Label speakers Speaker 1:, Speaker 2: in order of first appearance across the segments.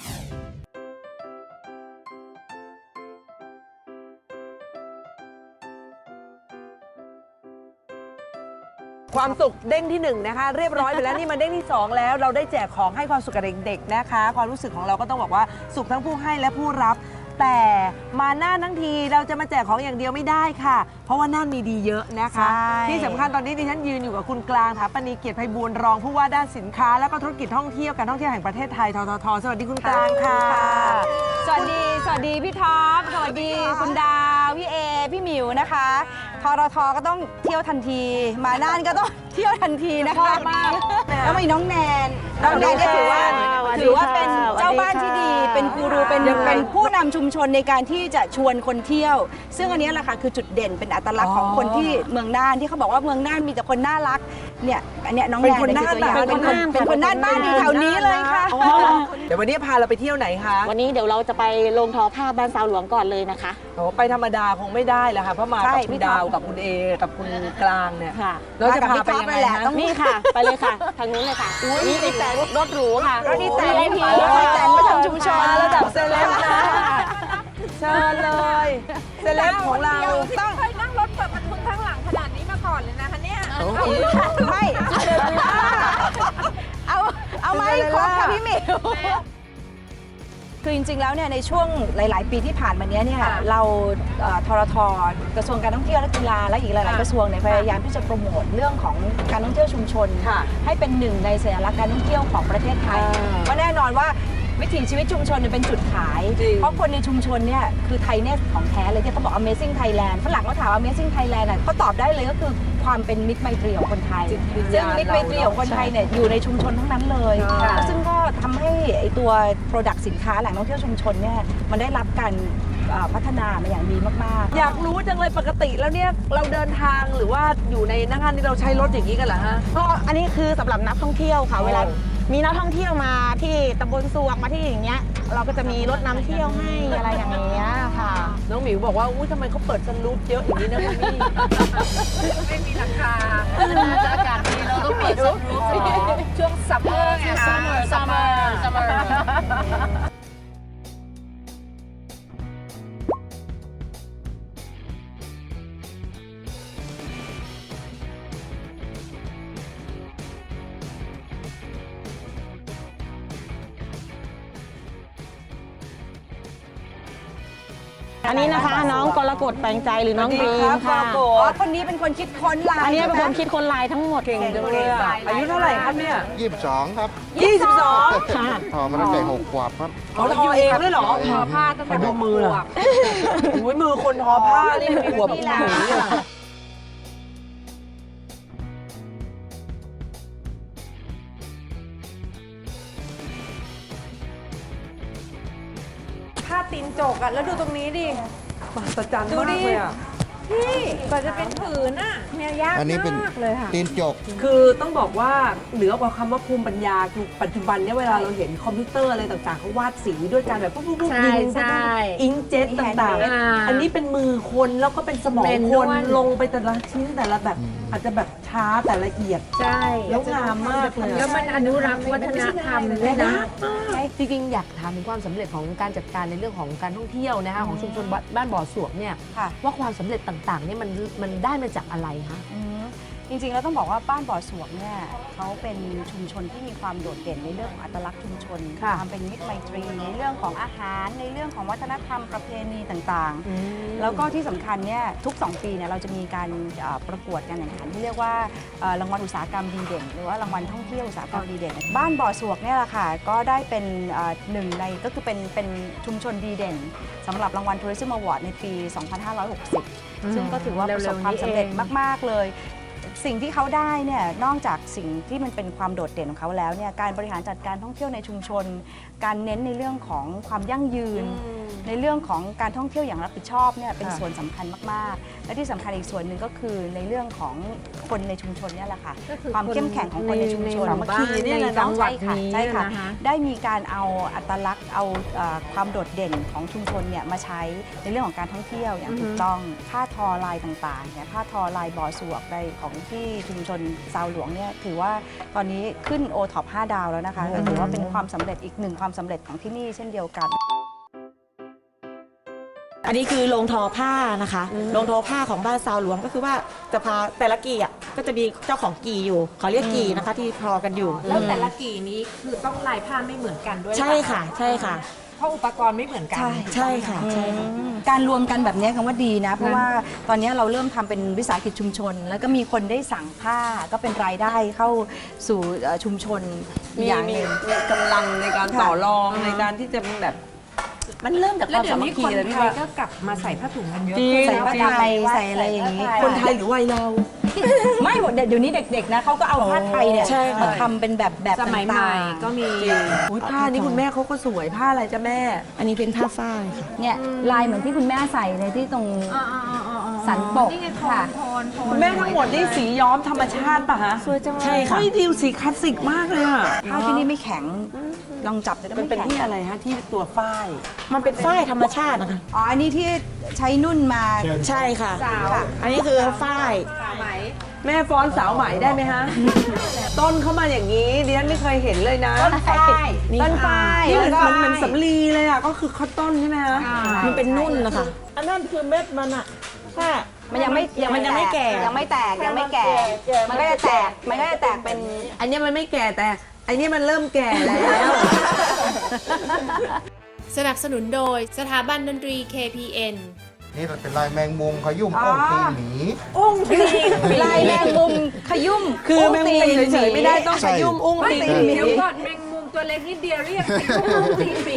Speaker 1: ความสุขเด้งที่1นะคะเรียบร้อยไปแล้วนี่มาเด้งที่2แล้วเราได้แจกของให้ความสุขกับเด็กๆนะคะความรู้สึกของเราก็ต้องบอกว่าสุขทั้งผู้ให้และผู้รับแต่มาน่านทั้งทีเราจะมาแจกของอย่างเดียวไม่ได้ค่ะเพราะว่าน่านมีดีเยอะนะคะที่สำคัญตอนนี้ดิฉันยืนอยู่กับคุณกลางถาปณีเกียรติไพบูลย์รองผู้ว่าด้านสินค้าและก็ธุรกิจท่องเที่ยวการท่องเที่ยวแห่งประเทศไทยทททสวัสดีคุณกลางค่ะ
Speaker 2: สวัสดีพี่ท็อปสวัสดีคุณดาวพี่เอพี่หมิวนะคะทททก็ต้องเที่ยวทันทีมาน่านก็ต้องเที่ยวทันทีนะคะแล้วมีน้องแนนก็ถือว่าเป็นเจ้าบ้านที่ดีเป็นกูรูเป็นผู้นำชุมชนในการที่จะชวนคนเที่ยวซึ่งอันนี้แหละค่ะคือจุดเด่นเป็นอัตลักษณ์ของคนที่เมืองน่านที่เขาบอกว่าเมืองน่านมีแต่คนน่ารักเนี่ยอันนี้น้องแนนเป็นตัวอย่างเป็นคนน่านบ้านอยู่แถวนี้เลยค่ะ
Speaker 1: เดี๋ยววันนี้พาเราไปเที่ยวไหนคะ
Speaker 3: วันนี้เดี๋ยวเราจะไปโรงทอผ้าบ้านสาวหลวงก่อนเลยนะคะ
Speaker 1: โอ้ไปธรรมดาคงไม่ได้แล้วค่ะเพราะมากับคุณดาวกับคุณเอกับคุณกลางเนี่ยเราจะพาไปยังไงคะ
Speaker 3: นี่ค่ะไปเลยค่ะทางนู้นเลยค่ะนี่ติดแต่รถหรูค่ะ
Speaker 2: รถดีแต่
Speaker 3: พี
Speaker 2: แต่มาทำชุมชน
Speaker 1: ระดับเซเลบนะเชิญเลยเซเลบของเรา
Speaker 4: ต้องเคยนั่งรถเปิดประทุนข้างหลังขนาดนี้มาก่อนเลยนะคะเนี่ย
Speaker 2: ไม่เอาไหมครบค่ะพี่หมิวคือจริงๆแล้วเนี่ยในช่วงหลายๆปีที่ผ่านมานี้เนี่ยเราทรทกระทรวงการท่องเที่ยวและกีฬาและอีกหลายๆกระทรวงเนี่ยพยายามที่จะโปรโมทเรื่องของการท่องเที่ยวชุมชนให้เป็นหนึ่งในสัญลักษณ์การท่องเที่ยวของประเทศไทยก็แน่นอนว่าวิถีชีวิตชุมชนเป็นจุดขายเพราะคนในชุมชนเนี่ยคือไทยเนี่ยของแท้เลยที่เขาบอก Amazing Thailand ฝรั่งเขาถาม Amazing Thailand เขาตอบได้เลยก็คือความเป็นมิตรไมตรีของคนไทยซึ่งมิตรไมตรีของคนไทยเนี่ยอยู่ในชุมชนทั้งนั้นเลยซึ่งก็ทำให้ไอตัว Product สินค้าแหล่งท่องเที่ยวชุมชนเนี่ยมันได้รับการพัฒนามาอย่างดีมาก
Speaker 1: ๆอยากรู้จังเลยปกติแล้วเนี่ยเราเดินทางหรือว่าอยู่ในนักงานที่เราใช้รถอย่างนี้กันเหรอฮะ
Speaker 5: ก็อันนี้คือสำหรับนักท่องเที่ยวค่ะเวลามีนักท่องเที่ยวมาที่ตำบลสวกมาที่อย่างเงี้ยเราก็จะมีรถนำเที่ยวให้อะไรอย่างเงี้ยค่ะ
Speaker 1: น้องหมิวบอกว่าอุ้ยทำไมเขาเปิดซันรูฟเยอะอย่างนี้นะพี่
Speaker 4: ไม่มีราคาจะอากาศดีเราต้องเปิดซันรูฟช่วงซัมเมอร์ไงคะซัมเมอร์
Speaker 5: อันนี้นะคะน้องกรกฎแปลงใจหรือน้องบีมค่ะ
Speaker 2: คนนี้เป็นคนคิดค้นลาย
Speaker 5: อันนี้เป็นคนคิดค้นลายทั้งหมด
Speaker 1: เก่งจังเลยอายุเท่าไหร่ครับเนี่ย
Speaker 6: 22 ครับ
Speaker 1: 22
Speaker 5: ค่ะ
Speaker 6: ทอมาตั้งแต่6 ขวบครับ
Speaker 1: เขาทอเองด้วยเหรอ
Speaker 4: ทอผ้าตั้งแต่6
Speaker 1: มืออุ้ยมือคนทอผ้านี่มีขวบหนูเนี่ยผ้าตีนจกอะแล้วดูตรงนี้ดิมหัศจรรย์มากเลยอะ
Speaker 4: พี่กว่าจะเป็นผืนน่ะเนี่ยยากมากเลยค่ะ
Speaker 6: ตีนจก
Speaker 1: คือต้องบอกว่าเหนือกว่าคำว่าภูมิปัญญาคือปัจจุบันเนี่ยเวลาเราเห็นคอมพิวเตอร์อะไรต่างๆเขาวาดสีด้วยการแบบปุ๊บยิงอิงเจ็ตต่างๆอันนี้เป็นมือคนแล้วก็เป็นสมองคนลงไปแต่ละชิ้นแต่ละแบบอาจจะแบบช้าแต่ละเอียด
Speaker 4: ใช่
Speaker 1: แล้วงามมากเลย
Speaker 4: แล้วมันอนุรักษ์วัฒนธรรมด้วยนะ
Speaker 1: จริงๆอยากถามถึงความสำเร็จของการจัดการในเรื่องของการท่องเที่ยวนะคะของชุมชนบ้านบ่อสวกเนี่ยว่าความสำเร็จต่างๆนี่มันได้มาจากอะไรคะ
Speaker 2: จริงๆแล้วต้องบอกว่าบ้านบ่อสวกเนี่ยเขาเป็นชุมชนที่มีความโดดเด่นในเรื่องของอัตลักษณ์ชุมชนความเป็นมิตรไมตรีในเรื่องของอาหารในเรื่องของวัฒนธรรมประเพณีต่างๆแล้วก็ที่สำคัญเนี่ยทุก2 ปีเนี่ยเราจะมีการประกวดการแข่งขันที่เรียกว่ารางวัลอุตสาหกรรมดีเด่นหรือว่ารางวัลท่องเที่ยวอุตสาหกรรมดีเด่นบ้านบ่อสวกเนี่ยแหละค่ะก็ได้เป็นหนึ่งในก็คือเป็นชุมชนดีเด่นสำหรับรางวัล Tourism Award ในปี 2560 ซึ่งก็ถือว่าประสบความสำเร็จมากๆเลยสิ่งที่เขาได้เนี่ยนอกจากสิ่งที่มันเป็นความโดดเด่นของเขาแล้วเนี่ยการบริหารจัดการท่องเที่ยวในชุมชนการเน้นในเรื่องของความยั่งยืนในเรื่องของการท่องเที่ยวอย่างรับผิดชอบเนี่ยเป็นส่วนสำคัญมากๆ และที่สำคัญอีกส่วนหนึ่งก็คือในเรื่องของคนในชุมชนเนี่ยแหละค่ะความเข้มแข็งของคนในชุมชน
Speaker 1: ในหมู่บ้านในจังหวัดนี้
Speaker 2: ใช่ค่ะ
Speaker 1: นะคะ
Speaker 2: ได้มีการเอาอัตลักษณ์เอาความโดดเด่นของชุมชนเนี่ยมาใช้ในเรื่องของการท่องเที่ยวอย่างถูกต้องผ้าทอลายต่างๆเนี่ยผ้าทอลายบ่อสวกในของที่ชุมชนซาวหลวงเนี่ยถือว่าตอนนี้ขึ้นโอท็อป5 ดาวแล้วนะคะก็ถือว่าเป็นความสำเร็จอีกหนึ่งความสำเร็จของที่นี่เช่นเดียวกัน
Speaker 5: อันนี้คือโรงทอผ้านะคะโรงทอผ้าของบ้านซาวหลวงก็คือว่าจะพาแต่ละกี่อ่ะก็จะมีเจ้าของกี่อยู่เขาเรียกกี่นะคะที่ทอกันอยู่
Speaker 4: แล้วแต่ละกี่นี้คือต้องลายผ้าไม่เหมือนกันด้วย
Speaker 5: ใช่ค่ะใช่ค่ะ
Speaker 4: เพราะอุปกรณ์ไม่เหมือนกัน
Speaker 5: ใช่ค่ะใช่ค่ะ
Speaker 2: การรวมกันแบบนี้คำว่าดีนะ เพราะว่าตอนนี้เราเริ่มทำเป็นวิสาหกิจชุมชน แล้วก็มีคนได้สั่งผ้าก็เป็นรายได้เข้าสู่ชุมชน
Speaker 1: มี
Speaker 2: อย่างหนึ่ง
Speaker 1: กำลังในการต่อรองในการที่จะแบบ มันเริ่มจากค
Speaker 4: แล้ว
Speaker 1: วาม
Speaker 4: เดี๋ย
Speaker 1: สาว มั
Speaker 4: นี้
Speaker 1: คคี
Speaker 4: คน
Speaker 1: เลยพี่
Speaker 4: ไทย
Speaker 1: ว่า
Speaker 4: ก็กลับมาใส่ผ้าถุงกันเยอะ
Speaker 1: จริง
Speaker 2: ใส่ผ้าไทยใส่อะไรอย่างนี้
Speaker 1: คนไทยหรือวัยเรา
Speaker 2: ไม่หมดเดี๋ยวนี้เด็กๆนะเขาก็เอาผ้าไทยเนี่ย
Speaker 5: ใช่ค่ะ
Speaker 2: มาทำเป็นแบบ
Speaker 4: สมัยใหม่
Speaker 2: ต่างๆ
Speaker 4: ก็มี
Speaker 1: อุ๊ยผ้านี่คุณแม่เขาก็สวยผ้าอะไรจ้ะแม่
Speaker 5: อันนี้เป็นผ้าฝ้ายค่ะ
Speaker 2: เนี่ยลายเหมือนที่คุณแม่ใส่ในที่ตรงสันปก
Speaker 4: นี่ไงโท
Speaker 2: ค่ะ
Speaker 4: นโทนโทน
Speaker 1: คุณแม่ทั้งหมดนี่สีย้อมธรรมชาติป่ะฮะ
Speaker 5: สวยจังเลยใช่ค่ะ
Speaker 1: เฮ้ยดิวสีคลาสสิกมากเลยอ่ะ
Speaker 2: ผ้าที่นี่ไม่แข็งลองจับดู
Speaker 1: มันเป็น
Speaker 2: แข็ง
Speaker 1: ที่อะไรฮะที่ตัวฝ้าย
Speaker 5: มันเป็นฝ้ายธรรมชาตินะคะ
Speaker 2: อ๋ออันนี้ที่ใช้นุ่นมา
Speaker 5: ใช่ค่ะ
Speaker 2: ค่ะ
Speaker 5: อันนี้คือฝ้าย
Speaker 1: แม่ฟ้อนสาวไหมได้ไหมฮะ ต้นเข้ามาอย่างนี้ดิฉันไม่เคยเห็นเลยนะ
Speaker 2: ต้นฝ้ายต้นฝ้าย
Speaker 1: นี่มัน
Speaker 2: แล้วก็
Speaker 1: เหมือนสำลีเลยอ่ะก็คือข้าวต้นใช่ไหมฮะ
Speaker 5: มันเป็นนุ่นนะคะ อันนั้นคือเม็ดมันอะค่ะ
Speaker 2: มันยังไม่
Speaker 5: มันยังไม่แก่
Speaker 2: ยังไม่แตกยังไม่แก่ มันก็จะแตกมันก็จะแตกเป็น
Speaker 1: อันนี้มันไม่แก่แต่อันนี้มันเริ่มแก่แล้ว
Speaker 7: สนับสนุนโดยสถาบันดนตรี KPN
Speaker 6: นี่มันเป็นลายแมงมุมขยุ่มอ้อมตีนหมี
Speaker 1: อุ้งตีน
Speaker 2: ลายแมงมุมขยุ่ม
Speaker 1: คือแมงมุมเฉยๆไม่ได้ต้อง
Speaker 6: ใช่
Speaker 1: ขยุ่มอุ้งตีนหมี
Speaker 4: เดี๋ยวก่อนแมงมุมตัวเล็กนิดเดียวเรียกตีนหมี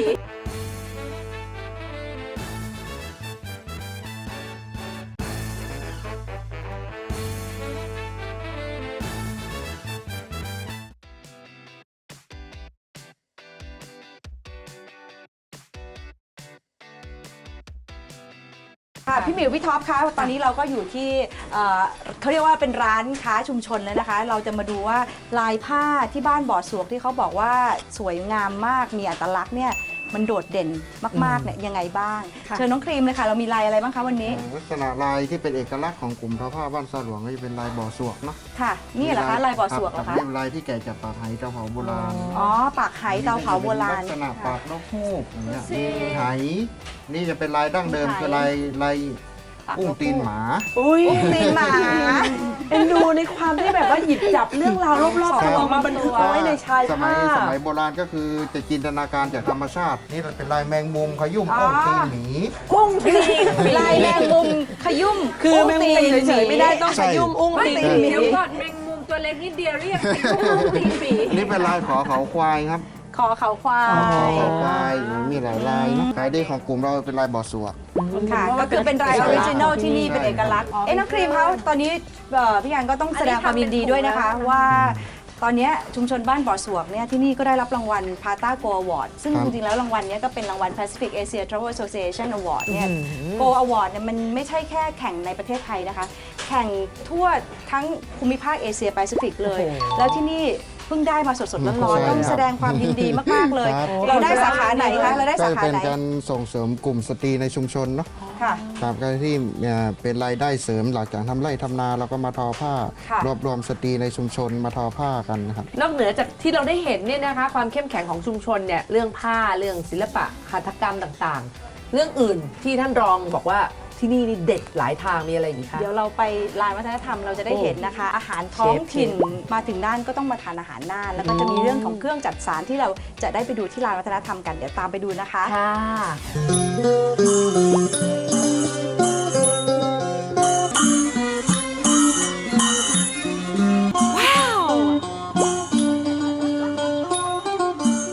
Speaker 2: ค่ะพี่หมิวพี่ท็อปคะตอนนี้เราก็อยู่ที่เขาเรียกว่าเป็นร้านค้าชุมชนแล้วนะคะ เราจะมาดูว่าลายผ้าที่บ้านบ่อสวกที่เขาบอกว่าสวยงามมากมีอัตลักษณ์เนี่ยมันโดดเด่นมากๆเนี่ยยังไงบ้างเชิญน้องครีมเลยค่ะเรามีลายอะไรบ้างคะวันนี้
Speaker 6: ลักษณะลายที่เป็นเอกลักษณ์ของกลุ่มทอผ้าบ้านซาหลวงก็จะเป็นลายบ่อสวกเนาะ
Speaker 2: ค่ะ นี่เหรอคะลายบ่อสวกเหรอ
Speaker 6: ครั
Speaker 2: คะ
Speaker 6: บเป็นลายที่แก่จากปากไหเตาเผาโบราณ
Speaker 2: อ๋อปากไหเตาเผาโบราณ
Speaker 6: ลักษณะปากนกฮูกอย่างเงี้ยมีไหนี่จะเป็นลายดั้งเดิมคือลายอุ้งตีนหมา
Speaker 1: อุ้ย
Speaker 2: ตีนหมา
Speaker 1: เอ็นดูในความที่แบบว่าหยิบจับเรื่องราวรอบๆตัวมาบันทึกเอาไว้ในชาย
Speaker 6: สมั
Speaker 1: ผ้า
Speaker 6: สมัยโบราณก็คือจะจินตนาการจากธรรมชาติ นี่มันเป็นลายแมงมุมขยุ่มอ้อมตีนหมี
Speaker 1: อุ้งตีน
Speaker 2: ลายแมงมุมขยุ่ม
Speaker 1: คือแมงมุมเฉยๆไม่ได้ต้องขยุ่มอุ้งตีนหมี
Speaker 4: เดี๋ยวก่อนแมงมุมตัวเล็กนิดเดียวเรียกตีนหมี
Speaker 6: นี่เป็นลายขอเขาควายครับ
Speaker 2: คอเขาควา
Speaker 6: ขอเขาควายมีหลายลายเนอะขายดีของกลุ่มเราเป็นลายบ่อสวก
Speaker 2: ค่ะก็คือเป็นรายออริจินอลที่นี่เป็นเอกลักษณ์น้องครีมเขาตอนนี้พี่ยันก็ต้องแสดงความยินดีด้วยนะคะว่าตอนนี้ชุมชนบ้านบ่อสวกเนี่ยที่นี่ก็ได้รับรางวัล Pata Go Award ซึ่ง
Speaker 6: ครับ
Speaker 2: จริงๆแล้วรางวัลเนี้ก็เป็นรางวัล Pacific Asia Travel Association Award เนี่ย Go Award เนี่ยมันไม่ใช่แค่แข่งในประเทศไทยนะคะ แข่งทั่วทั้งภูมิภาคเอเชียแปซิฟิกเลย แล้วที่นี่เพิ่งได้มาสดๆร้อนๆต้องแสดงความยินดีมากๆเลย
Speaker 6: ครับ
Speaker 2: เราได้สาขาไหนคะเราได้
Speaker 6: ก็
Speaker 2: สา
Speaker 6: จะ
Speaker 2: ขา
Speaker 6: เป็น
Speaker 2: ไหน
Speaker 6: การส่งเสริมกลุ่มสตรีในชุมชนเนาะ
Speaker 2: ค่ะ
Speaker 6: ครับก็ที่เป็นรายได้เสริมหลังจากทำไร่ทำนาเราก็มาทอผ้า
Speaker 2: ค่ะ
Speaker 6: รวบรวมสตรีในชุมชนมาทอผ้ากันนะครับ
Speaker 4: นอกเหนือจากที่เราได้เห็นเนี่ยนะคะความเข้มแข็งของชุมชนเนี่ยเรื่องผ้าเรื่องศิลปะหัตถกรรมต่างๆ เรื่องอื่นที่ท่านรองบอกว่าที่นี่นี่เด็ดหลายทางมีอะไรอีกคะ
Speaker 2: เดี๋ยวเราไปลานวัฒนธรรมเราจะได้เห็นนะคะ อาหารท้องถิ่นมาถึงน่านก็ต้องมาทานอาหารน่านแล้วก็จะมีเรื่องของเครื่องจัดสารที่เราจะได้ไปดูที่ลานวัฒนธรรมกันเดี๋ยวตามไปดูนะคะ
Speaker 4: ค่ะ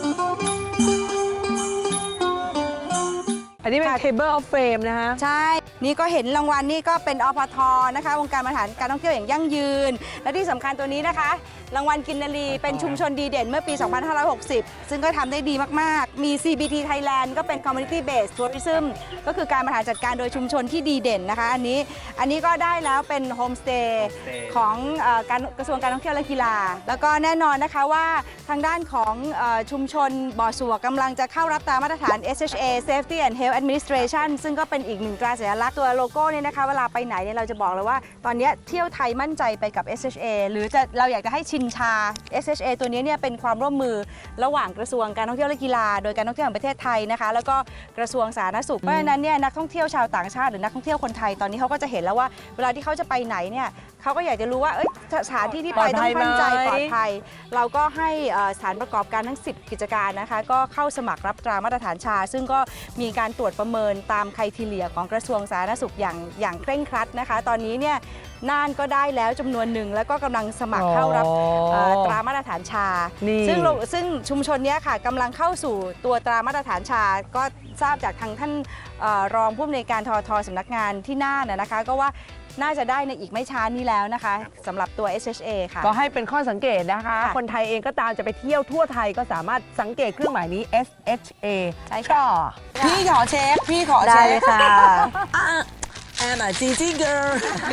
Speaker 1: อันนี้เป็น table of fame นะคะ
Speaker 2: ใช่นี่ก็เห็นรางวัลนี่ก็เป็นอพทนะคะองค์การบริหารการท่องเที่ยวอย่างยั่งยืน และที่สำคัญตัวนี้นะคะ รางวัลกินนารีเป็นชุมชนดีเด่นเมื่อปี 2560 ซึ่งก็ทำได้ดีมากๆ มี CBT Thailand ก็เป็น Community Based Tourism ก็คือการบริหารจัดการโดยชุมชนที่ดีเด่นนะคะ อันนี้ก็ได้แล้วเป็นโฮมสเตย์ของการกระทรวงการท่องเที่ยวและกีฬา แล้วก็แน่นอนนะคะว่าทางด้านของชุมชนบ่อสัวกำลังจะเข้ารับตามมาตรฐาน SHA Safety and Health Administration ซึ่งก็เป็นอีกหนึ่งตราสัญลักษณ์ตัวโลโก้เนี่ยนะคะเวลาไปไหนเนี่ยเราจะบอกเลยว่าตอนนี้เที่ยวไทยมั่นใจไปกับ SHA หรือเราอยากจะให้ชินชา SHA ตัวนี้เนี่ยเป็นความร่วมมือระหว่างกระทรวงการท่องเที่ยวและกีฬาโดยการท่องเที่ยวแห่งประเทศไทยนะคะแล้วก็กระทรวงสาธารณสุขเพราะฉะนั้นเนี่ยนักท่องเที่ยวชาวต่างชาติหรือนักท่องเที่ยวคนไทยตอนนี้เขาก็จะเห็นแล้วว่าเวลาที่เขาจะไปไหนเนี่ยเขาก็อยากจะรู้ว่าสถานที่ที่ไปต้องมั่นใจปลอดภัยเราก็ให้สถานประกอบการทั้ง10กิจการนะคะก็เข้าสมัครรับตรามาตรฐานชาซึ่งก็มีการตรวจประเมินตามไครทีเรียของกระทรวงสาธารณสุขอย่างเคร่งครัดนะคะตอนนี้เนี่ยน่านก็ได้แล้วจำนวนหนึ่งแล้วก็กำลังสมัครเข้ารับตรามาตรฐานชาซึ่งชุมชนนี้ค่ะกำลังเข้าสู่ตัวตรามาตรฐานชาก็ทราบจากทางท่านรองผู้อำนวยการททสำนักงานที่น่านนะคะก็ว่าน่าจะได้ในอีกไม่ช้านี้แล้วนะคะสำหรับตัว SHA ค่ะ
Speaker 1: ก็ให้เป็นข้อสังเกตนะคะ คนไทยเองก็ตามจะไปเที่ยวทั่วไทยก็สามารถสังเกตเครื่องหมายนี้ SHA
Speaker 2: ใช่ค่ะ
Speaker 1: พี่ขอเช็คพี่ขอ
Speaker 2: ได้
Speaker 1: เช็
Speaker 2: เลย
Speaker 1: ค
Speaker 2: ค่ะ
Speaker 1: I'm a Gigi girl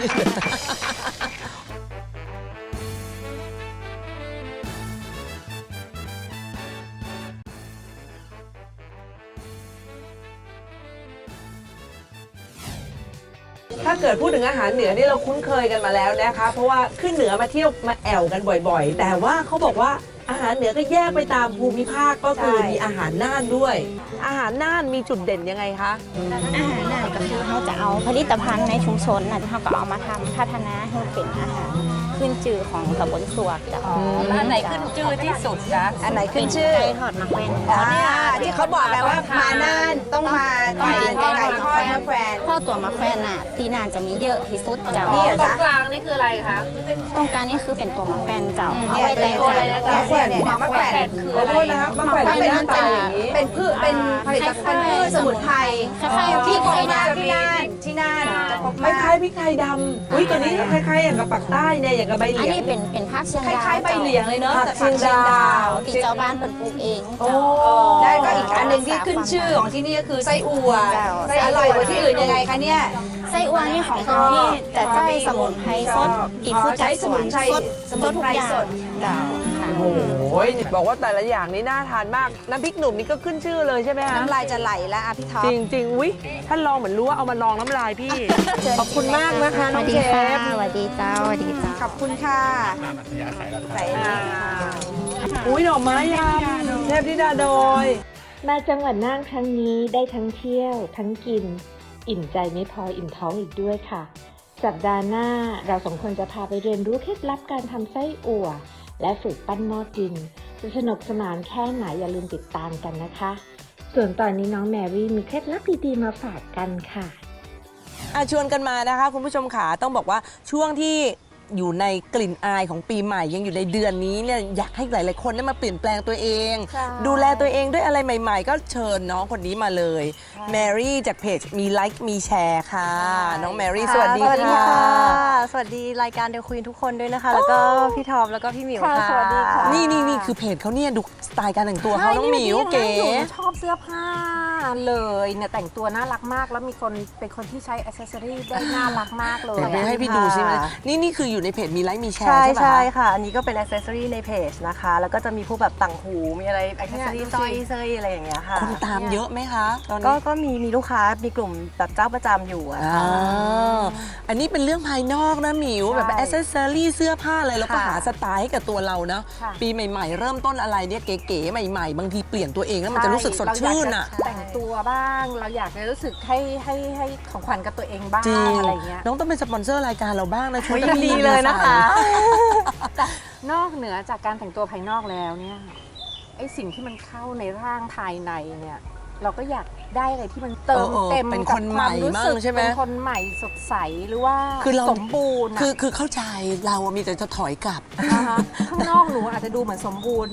Speaker 1: ถ้าเกิดพูดถึงอาหารเหนือนี่เราคุ้นเคยกันมาแล้วนะคะเพราะว่าขึ้นเหนือมาเที่ยวมาแอวกันบ่อยๆ แต่ว่าเขาบอกว่าอาหารเหนือก็แยกไปตามภูมิภาคก็คือมีอาหารน่านด้วย อาหารน่านมีจุดเด่นยังไงคะ
Speaker 8: อาหารน่านก็คือเขาจะเอาผลิตภัณฑ์ในชุมชนนะที่เขาก็เอามาทำพัฒนาให้เป็นอาหารขึ้นชื่อของตำบลสวกจ้ะ
Speaker 2: แล้วอันไหนขึ้นชื่อที่สุดนะอันไหนขึ้นชื่อ
Speaker 8: ไก่ทอดมะแขวน
Speaker 2: ที่เขาบอกแล้วว่ามาน่านต้องมาไก่ทอดมะแขวน
Speaker 8: ข้าวตัวมะแขวนน่ะที่น่านจะมีเยอะที่สุดเจ้า
Speaker 2: นี่เหรอ
Speaker 4: ตร
Speaker 2: จ๊ะ
Speaker 4: งกลางนี่คืออะไรคะ
Speaker 8: ตรงกลางนี่คือเป็นตัวมะแขวนเจ้าเอา
Speaker 2: เนี่ย
Speaker 8: ไว้
Speaker 2: เป็นตัวอะไรนะจ๊ะเนี่ยมะแขวน
Speaker 1: ขอโทษนะครับมะแขวนเป็นหน้าตาอย่างนี้
Speaker 2: เป็นพืชเป็นผลิตภัณฑ์พืชสมุนไพร
Speaker 8: คล้ายๆ
Speaker 2: ที่
Speaker 8: พริก
Speaker 2: พบ
Speaker 8: ไทย
Speaker 2: มา
Speaker 8: ดำ
Speaker 2: ที่น่านจะพบ
Speaker 1: ค
Speaker 2: มา
Speaker 1: ล้ายๆพริกไทยดำอุ้ยตัวนี้คล้ายๆอย่างกับปักใต้เนี่ยอย่างกับใบเห
Speaker 8: อัน
Speaker 1: ลีย
Speaker 8: นี้
Speaker 1: ง
Speaker 8: เป็นภาคเชียง
Speaker 2: ค
Speaker 8: ดาว
Speaker 2: ล้ายๆใบเหลียงเลยเนาะ
Speaker 1: ผัก
Speaker 2: แต่
Speaker 1: เชียงดาว
Speaker 8: ที่เจ้าบ้านเป็นปลูกเอง
Speaker 1: โอ้
Speaker 8: เจ้า
Speaker 2: ได้ก็อีกอันหนึ่งที่ขึ้นชื่อของที่นี่ก็คือไส้อั่ว
Speaker 8: เจ้า
Speaker 2: ไส้อร่อยกว่าที่อื่นยังไงคะเนี่ย
Speaker 8: ไส้อั่วนี่ของเขานี่จะใช้สมุนไพรสดอีกฟูดจากสวนสด
Speaker 2: สมุนไพรสด
Speaker 8: เจ้าค่ะ
Speaker 1: โอ้ยบอกว่าแต่ละอย่างนี้น่าทานมากน้ำพริกหนุ่มนี่ก็ขึ้นชื่อเลยใช่ไหมคะ
Speaker 2: น้ำลายจะไหลแล้วอ่ะพี่ท็อป
Speaker 1: จริงๆอุ้ยท่านลองเหมือนรู้ว่าเอามาลองน้ำลายพี่ ขอบคุณมากนะคะ
Speaker 8: ส
Speaker 1: น้อ
Speaker 8: วั
Speaker 1: ง
Speaker 8: สดี
Speaker 1: เช
Speaker 8: ค่ะ
Speaker 1: ฟ
Speaker 8: สวัสดีเจ้าสวัสดีเจ้า
Speaker 2: ขอบคุณค่ะใส่อันนี้
Speaker 1: อุ้ยดอกไม้ยำเทพธิดาโดย
Speaker 9: มาจังหวัดน่านครั้งนี้ได้ทั้งเที่ยว ทั้งกิน อิ่มใจไม่พออิ่มท้องอีกด้วยค่ะ สัปดาห์หน้าเราสองคนจะพาไปเรียนรู้เคล็ดลับการทำไส้อั่ว และฝึกปั้นหม้อดิน จะสนุกสนานแค่ไหนอย่าลืมติดตามกันนะคะ ส่วนตอนนี้น้องแมรี่มีเคล็ดลับดีๆมาฝากกันค่ะ
Speaker 1: ชวนกันมานะคะคุณผู้ชมขาต้องบอกว่าช่วงที่อยู่ในกลิ่นอายของปีใหม่ยังอยู่ในเดือนนี้เนี่ยอยากให้หลายๆคนได้มาเปลี่ยนแปลงตัวเอง ดูแลตัวเองด้วยอะไรใหม่ๆ ก็เชิญน้องคนนี้มาเลยแมรี่จากเพจมีไลค์มีแชร์ค่ะ น้องแมรี่สวัสดีค่ะ
Speaker 10: สวัสดีรายการเดอะควีนทุกคนด้วยนะคะ แล้วก็พี่ทอมแล้วก็พี่หมิวค่ะ
Speaker 8: สวัสดีค่ะ
Speaker 1: นี่คือเพจเขาเนี่ยดูสไตล์การแต่งตัวเขาน้องหมิวเก๋
Speaker 10: ชอบเสื้อผ้าเลยเนี่ยแต่งตัวน่ารักมาก แล้วมีคนเป็นคนที่ใช้อ c เซสซอรี่ได้น่ารักมากเลย
Speaker 1: เดี๋ยวไปให้พี่ดูใช่ไหมนี่คืออยู่ในเพจมีไลค์มีแชร์
Speaker 10: ใช่
Speaker 1: ใช่ไหม
Speaker 10: ใช่ค่ะ อันนี้ก็เป็นอ c เซสซอรี่ในเพจนะคะ แล้วก็จะมีพวกแบบต่างหู มีอะไรอ c เซสซอรี่สร้อยเสื้ออะไรอย่างเงี้ยค่ะ
Speaker 1: คนตามเยอะไหมคะตอน
Speaker 10: ก็
Speaker 1: นี้
Speaker 10: ก็มีลูกค้ามีกลุ่มแบบเจ้าประจำอยู่อะค่ะ
Speaker 1: อันนี้เป็นเรื่องภายนอกนะหมิว
Speaker 10: ใช่
Speaker 1: แบบแอ c เซสซอรี่เสื้อผ้าอะไรเราก็
Speaker 10: ค่ะ
Speaker 1: หาสไตล์ให้กับตัวเรานะ
Speaker 10: ค่ะ
Speaker 1: ปีใหม่ๆ เริ่มต้นอะไรเนี่ยเก๋ๆใหม่ๆ บางทีเปลี่ยนตัวเองแล้วมันจะรู้สึกสดชื่นอ่ะ
Speaker 10: แต่งตัวบ้าง เราอยากจะรู้สึกให้ของขวัญกับตัวเองบ้าง
Speaker 1: จริง
Speaker 10: อะไรเงี้ย
Speaker 1: น้องต้องเป็นสปอนเซอร์รายการเราบ้างนะช่วย
Speaker 10: ยินดีเลยนะคะ
Speaker 1: ใส่
Speaker 10: นอกเหนือจากการแต่งตัวภายนอกแล้วเนี่ยไอสิ่งที่มันเข้าในร่างภายในเนี่ยเราก็อยากได้อะไรที่มันเติมเต็ม
Speaker 1: เป็น
Speaker 10: กั
Speaker 1: ค
Speaker 10: บ
Speaker 1: น
Speaker 10: ค
Speaker 1: ให
Speaker 10: วาม
Speaker 1: ม่
Speaker 10: รู้
Speaker 1: บ้า
Speaker 10: สึ
Speaker 1: ง
Speaker 10: ก
Speaker 1: ใช่ไหม
Speaker 10: เป็นคนใหม่สดใสหรือว่า
Speaker 1: คือเรา
Speaker 10: สมบูรณ์อะ
Speaker 1: คือเข้าใจเราอะมีแต่จะถอยกลับ
Speaker 10: นะคะข้างนอกหนูอาจจะดูเหมือนสมบูรณ์นะ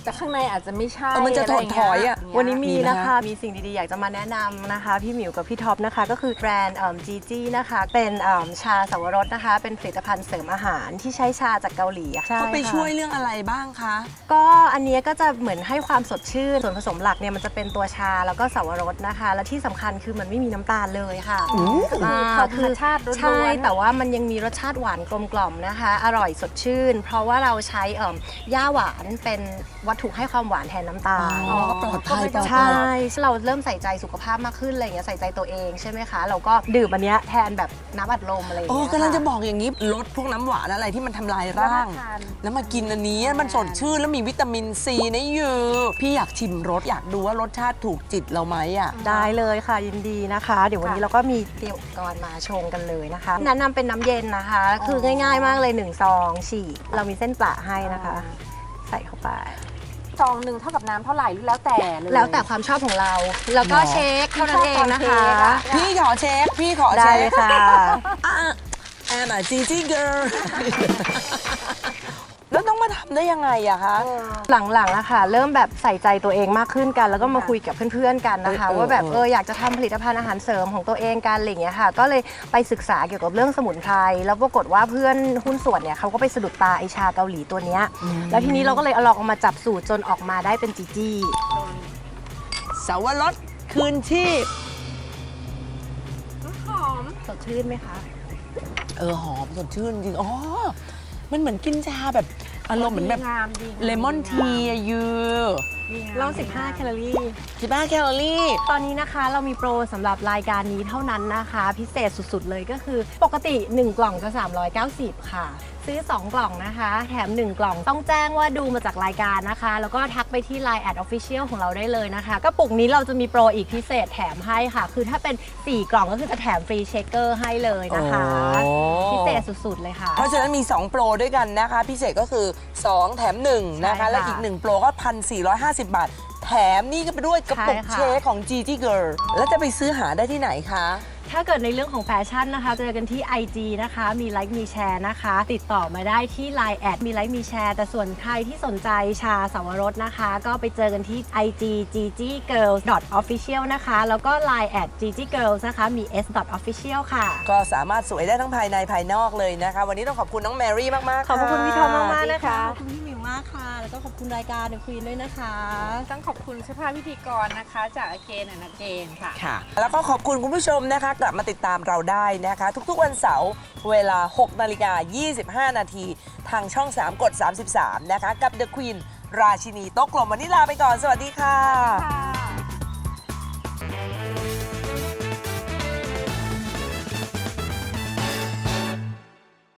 Speaker 10: แต่ข้างในอาจจะไม่ใช่
Speaker 4: มันจะถดถอยอ่ะ
Speaker 11: วันนี้มีนะคะ มีสิ่งดีๆ อยากจะมาแนะนำนะคะ พี่หมิวกับพี่ท็อปนะคะ ก็คือแบรนด์จีจี้นะคะ เป็นชาสวรสนะคะ เป็นผลิตภัณฑ์เสริมอาหารที่ใช้ชาจากเกาหลีอะค่ะ
Speaker 1: เขาไปช่วยเรื่องอะไรบ้างคะ
Speaker 11: ก็อันเนี้ยก็จะเหมือนให้ความสดชื่น ส่วนผสมหลักเนี่ยมันจะเป็นตัวชาแล้วก็สวรสนะคะ และที่สำคัญคือมันไม่มีน้ำตาลเลยค่ะ
Speaker 10: ธรรมชาติล้วนๆ
Speaker 11: ใช่แต่ว่ามันยังมีรสชาติหวานกลมกล่อมนะคะ อร่อยสดชื่น เพราะว่าเราใช้ย่าหวานเป็นวัตถุให้ความหวานแทนน้ำตาล
Speaker 1: ปลอดภัย
Speaker 11: ใช่ เราเริ่มใส่ใจสุขภาพมากขึ้นอะไรอย่างเงี้ยใส่ใจตัวเองใช่ไหมคะ เราก็ดื่มอันเนี้ยแทนแบบน้ำอัดลมอะไรอย่าง
Speaker 1: โอ้
Speaker 11: เงี้ย
Speaker 1: กำลังจะ
Speaker 11: ค่
Speaker 1: บอกอย่างนี้ลดพวกน้ำหวานอะไรที่มันทำลายร่าง แล้วมากินอันนี้มันสดชื่นแล้วมีวิตามินซีนะยูพี่อยากชิมรสอยากดูว่ารสชาติถูกจิตเราไหมอ่ะ
Speaker 11: ได้เลยค่ะยินดีนะคะ เดี๋ยววันนี้เราก็มีเตรียมอุปกรณ์มาชงกันเลยนะคะแนะนำเป็นน้ำเย็นนะคะ คือง่ายๆมากเลย1ซองฉีกเรามีเส้นปะให้นะคะ ใส่เข้าไป
Speaker 10: ซองหนึ่งเท่ากับน้ำเท่าไหร่แล้วแต่เลย
Speaker 11: แล้วแต่ความชอบของเรา แล้วก็เช็คเท่านั้นเองนะคะ
Speaker 1: พี่ขอเช็คพี่ขอ
Speaker 11: ได้
Speaker 1: เช็
Speaker 11: เลย
Speaker 1: ค
Speaker 11: ค่ะ
Speaker 1: แอมอะจีจี้เกิร์ลแล้วต้องมาทำได้ยังไงอะคะ
Speaker 11: หลังๆอะค่ะ เริ่มแบบใส่ใจตัวเองมากขึ้นกัน แล้วก็มาคุยกับเพื่อนๆกันนะคะ ว่าแบบอยากจะทำผลิตภัณฑ์อาหารเสริมของตัวเองกันอะไรอย่างเงี้ยค่ะ ก็เลยไปศึกษาเกี่ยวกับเรื่องสมุนไพรแล้วปรากฏว่าเพื่อนหุ้นส่วนเนี่ยเขาก็ไปสะดุดตาไอชาเกาหลีตัวเนี้ยแล้วทีนี้เราก็เลยเอาลองเอามาจับสูตรจนออกมาได้เป็นจีจี้
Speaker 1: สาวรสคืนชีพ
Speaker 11: สดชื่นไหมคะ
Speaker 1: หอมสดชื่นจริงอ๋อมันเหมือนกินชาแบบอารมณ์เหมือนแบบ
Speaker 10: งามดี
Speaker 1: เลมอนทีอะยู
Speaker 11: เรา15 แคลอรี่
Speaker 1: 15 แคลอรี่
Speaker 11: ตอนนี้นะคะเรามีโปรสำหรับรายการนี้เท่านั้นนะคะ พิเศษสุดๆเลยก็คือปกติ 1 กล่องจะ 390 ค่ะ ซื้อ 2 กล่องนะคะ แถม 1 กล่องต้องแจ้งว่าดูมาจากรายการนะคะ แล้วก็ทักไปที่ Line @official ของเราได้เลยนะคะกระปุกนี้เราจะมีโปรอีกพิเศษแถมให้ค่ะ คือถ้าเป็น 4 กล่องก็คือจะแถมฟรีเชคเกอร์ให้เลยนะคะ พิเศษสุดๆเลยค่ะ
Speaker 1: เพราะฉะนั้นมี 2 โปรด้วยกันนะคะ พิเศษก็คือ 2 แถม 1 นะคะ
Speaker 11: ใช่ค่ะ
Speaker 1: และอีก 1 โปรก็ 1,450 บาท แถมนี่ก็ไปด้วยกระปุก
Speaker 11: ใช่ค่ะ
Speaker 1: เชคของ Gigi Girl แล้วจะไปซื้อหาได้ที่ไหนคะ
Speaker 11: ถ้าเกิดในเรื่องของแฟชั่นนะคะเจอกันที่ IG นะคะมีไลค์มีแชร์นะคะ ติดต่อมาได้ที่ Line มีไลค์มีแชร์แต่ส่วนใครที่สนใจชาสวรสนะคะ ก็ไปเจอกันที่ IG ggirls.official นะคะแล้วก็ Line @ggirls นะคะมี s.official ค่ะ
Speaker 1: ก็สามารถสวยได้ทั้งภายในภายนอกเลยนะคะ วันนี้ต้องขอบคุณน้องแมรี่มากๆ
Speaker 11: ขอบคุณพี่ทอมมากๆนะคะ
Speaker 1: ส
Speaker 11: ขอบคุณพี่หมิวมากค่ะ แล้วก็ขอบคุณรายการเดอะควีนด้วยนะคะ
Speaker 10: ต้องขอบคุณเสื้อผ้าพิธีกรนะคะ จากอเกนอเกนค่ะ
Speaker 1: ค่ะ แล้วก็ขอบคุณคุณผู้ชมนะคะ กลับมาติดตามเราได้นะคะ ทุกๆวันเสาร์เวลา 6:25 นาทีทางช่อง 3 กด 33 นะคะ กับ The Queen ราชินีโต๊ะกลมวันนี้ลาไปก่อน สวัสดีค่ะ